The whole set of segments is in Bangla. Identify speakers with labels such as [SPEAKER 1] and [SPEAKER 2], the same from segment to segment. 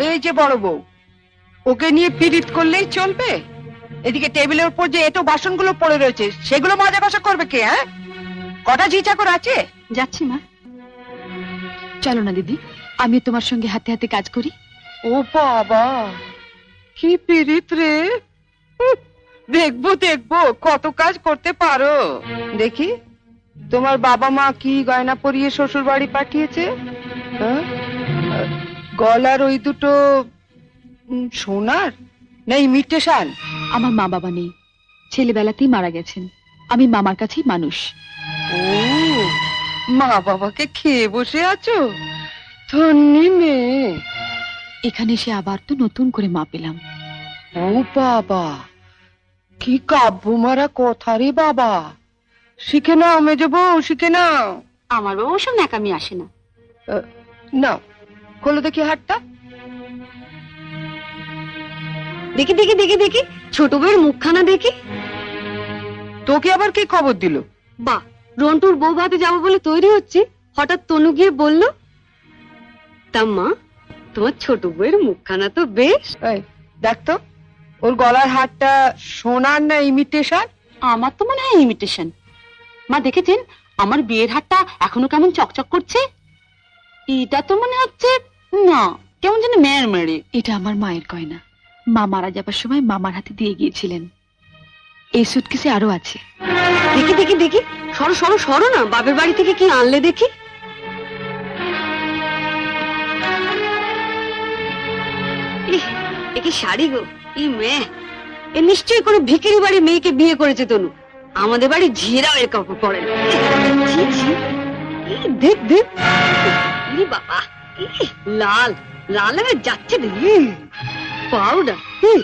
[SPEAKER 1] এই যে বড় বউ, ওকে নিয়ে পীড়িত করলেই চলবে? এদিকে টেবিলের উপর যে এটো বাসনগুলো পড়ে রয়েছে সেগুলো মাজা কষা করবে কে? হ্যাঁ, কটা ঝি চাকর আছে?
[SPEAKER 2] যাচ্ছি মা। চলো না দিদি, আমি তোমার সঙ্গে হাতে হাতে কাজ করি।
[SPEAKER 1] ও বাবা, কি পীড়িত রে! দেখবো দেখবো কত কাজ করতে পারো। দেখি তোমার বাবা মা কি গয়না পরিয়ে শ্বশুর বাড়ি পাঠিয়েছে। হ্যাঁ? গলার ওই দুটো সোনার না ইমিটেশন?
[SPEAKER 2] আমার মা বাবা নেই, ছেলেবেলাতেই মারা গেছেন। আমি মামার কাছেই মানুষ।
[SPEAKER 1] ও, মা বাবাকে খেয়ে বসে আছো? ধন্যি মেয়ে।
[SPEAKER 2] এখানে এসে আবার তো নতুন করে মা পেলাম।
[SPEAKER 1] ও বাবা, কি কাব্য মারা কথা রে বাবা! শিখে নাও মেজো বউ, শিখে নাও।
[SPEAKER 2] আমার বাবা ওসব ন্যাকামি আসে না।
[SPEAKER 1] নাও, খোলো দেখি হাতটা।
[SPEAKER 2] দেখি দেখি দেখি দেখি, ছোট বউয়ের মুখখানা দেখি।
[SPEAKER 1] তোকে আবার কি খবর দিল?
[SPEAKER 2] বা, রন্টুর বউ ভাতে যাবো বলে তৈরি হচ্ছে, হঠাৎ তনু গিয়ে বলল, তা মা, তোমার ছোট বউয়ের মুখখানা তো বেশ।
[SPEAKER 1] এই দেখ তো, ওর গলার হারটা সোনার না ইমিটেশন?
[SPEAKER 2] আমার তো মনে হয় ইমিটেশন। মা দেখেছেন আমার বিয়ের হারটা এখনো কেমন চকচক করছে? এটা তো মনে হচ্ছে না, কেমন যেন মেয়ের মেরে। এটা আমার মায়ের গয়না, মা মারা যাবার সময় মামার হাতে দিয়ে গিয়েছিলেন। এই সুটকেসে আরো আছে। দেখি দেখি দেখি, সরো সরো সরো না, বাপের বাড়ি থেকে কি আনলে দেখি। এ কি শাড়ি গো! ই মেয়ে, এ নিশ্চয়ই কোনো ভিখারি বাড়ির মেয়েকে বিয়ে করেছে তনু। আমাদের বাড়ি ঝিরাও এর কাপড় পরে না। ছি, ছি। দেখ দেখ, ই বাবা, লাল লাল হয়ে যাচ্ছে পাউডার।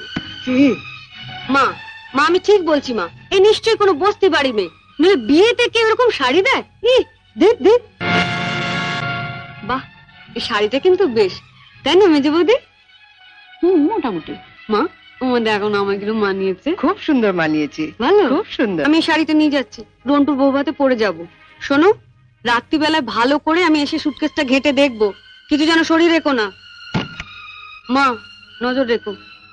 [SPEAKER 2] মা মা, আমি ঠিক বলছি মা, এই নিশ্চয়ই কোনো বস্তি বাড়ি মেয়ে, নইলে বিয়েতে কেউ এরকম শাড়ি দেয়? দেখ দেখ, বাহ, এই শাড়িটা কিন্তু বেশ, তাই না মেজে বৌদি? মোটামুটি। মা, আমাদের এখন আমাগুলো মানিয়েছে।
[SPEAKER 1] খুব সুন্দর মানিয়েছে,
[SPEAKER 2] ভালো,
[SPEAKER 1] খুব সুন্দর।
[SPEAKER 2] আমি এই শাড়িটা নিয়ে যাচ্ছি, রন্টুর বউ ভাতে পরে যাবো। শোনো, রাত্রিবেলায় ভালো করে আমি এসে সুটকেসটা ঘেটে দেখবো, কিছু যেন শরীর রেখো না। মা, নজর রেখো।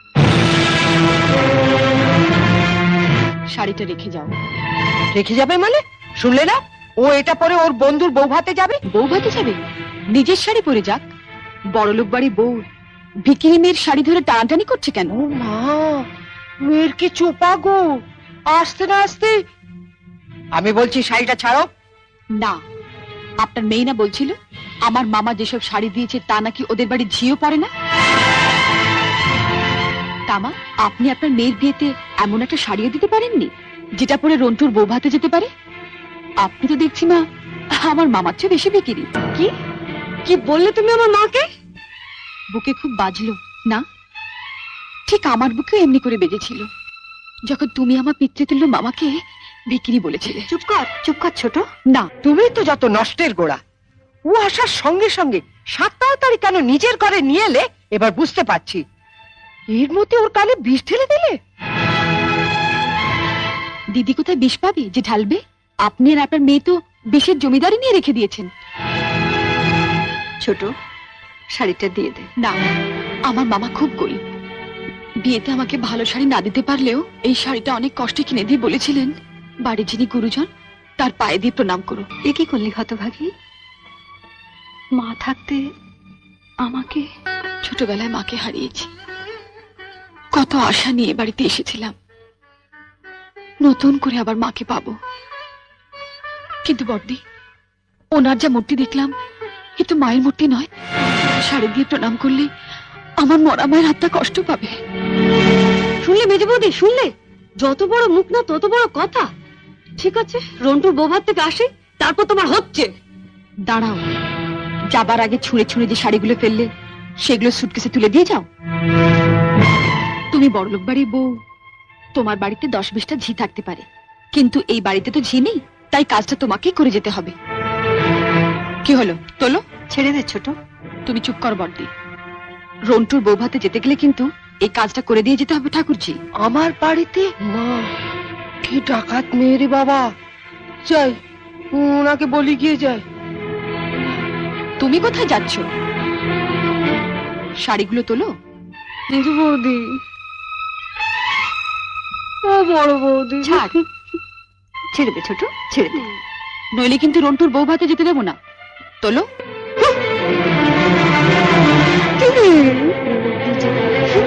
[SPEAKER 2] শাড়িটা রেখে যাও।
[SPEAKER 1] রেখে যাবে মানে? শুনলে না, ও এটা পরে ওর বন্ধুর বউ ভাতে যাবে।
[SPEAKER 2] বউ ভাতে যাবে? নিজের শাড়ি পরে যাক। বড়লোক বাড়ি বউ ভিখিরি মেয়ের শাড়ি ধরে টানাটানি করছে কেন?
[SPEAKER 1] ও মা, মেয়ের কি চোপা গো! আসতে না আসতে। আমি বলছি শাড়িটা ছাড়ো।
[SPEAKER 2] না, আপনার মেয়ে না বলছিল আমার মামা যেসব শাড়ি দিয়েছে তা নাকি ওদের বাড়ি ঝিও পড়ে না? তামা, আপনি আপনার মেয়ের বিয়েতে এমন একটা শাড়িও দিতে পারেননি যেটা পরে রন্টুর বউ ভাতে যেতে পারে? আপনি তো দেখছি মা আমার মামার চেয়ে বেশি বিক্রি। কি কি বললে তুমি আমার মাকে? বুকে খুব বাজলো না? ঠিক আমার বুকেও এমনি করে বেজেছিল যখন তুমি আমার পিতৃতুল্য মামাকে বিক্রি বলেছিলে। চুপ কর ছোট। না,
[SPEAKER 1] তুমি তো যত নষ্টের গোড়া। ও আসার সঙ্গে সঙ্গে 7 তাড়াতাড়ি কেন নিজের ঘরে নিয়ে এলে এবার বুঝতে পারছি। এর মধ্যে ওর কানে বিষ ঢেলে দিলে।
[SPEAKER 2] দিদি কোথায় বিষ পাবে যে ঢালবে? আপনি আর আপনার মেয়ে তো বিষের জমিদারি নিয়ে রেখে দিয়েছেন। ছোট, শাড়িটা দিয়ে দে। না, আমার মামা খুব গরিব, বিয়েতে আমাকে ভালো শাড়ি না দিতে পারলেও এই শাড়িটা অনেক কষ্টে কিনে দিয়ে বলেছিলেন বাড়ির যিনি গুরুজন তার পায়ে দিয়ে প্রণাম করো। এ কি করলি হতভাগী? মা থাকতে আমাকে, ছোটবেলায় মাকে হারিয়েছি, কত আশা নিয়ে বাড়িতে এসেছিলাম, নতুন করে আবার মাকে পাবো। কিন্তু বড়দি, ওনার যা মূর্তি দেখলাম এ তো মায়ের মূর্তি নয়। শাড়ি দিয়ে প্রণাম করলে আমার মরা মায়ের হাতটা কষ্ট পাবে। শুনলে মেজে বৌদি, শুনলে? যত বড় মুখ না তত বড় কথা। ঠিক আছে, রন্টুর বৌভাত থেকে আসে, তারপর তোমার হচ্ছে। দাঁড়াও, যাবার আগে ছুঁড়ে ছুঁড়ে যে শাড়িগুলো ফেললে সেগুলো সুটকেসে তুলে দিয়ে যাও। তুমি বড়লোক বাড়ির বউ, তোমার বাড়িতে 10-20টা ঝি থাকতে পারে, কিন্তু এই বাড়িতে তো ঝি নেই, তাই কাজটা তোমাকেই করে যেতে হবে। কি হলো, তোলো। ছেড়ে দে ছোট। তুমি চুপ কর বড়দি। রন্টুর বউ ভাতে যেতে গেলে কিন্তু এই কাজটা করে দিয়ে যেতে হবে ঠাকুরজি।
[SPEAKER 1] আমার বাড়িতে? মা, কি ডাকাত মেয়ে রে বাবা! যাই, ওনাকে বলি গিয়ে যাই।
[SPEAKER 2] তুমি কোথায় যাচ্ছ? শাড়িগুলো তোলো।
[SPEAKER 3] কিন্তু বৌদি, ও বড় বৌদি,
[SPEAKER 2] ছাড়, ছেড়ে দে ছোট, ছেড়ে দে, নইলে কিন্তু রন্টুর বউ ভাতে যেতে দেবো না। তোলো।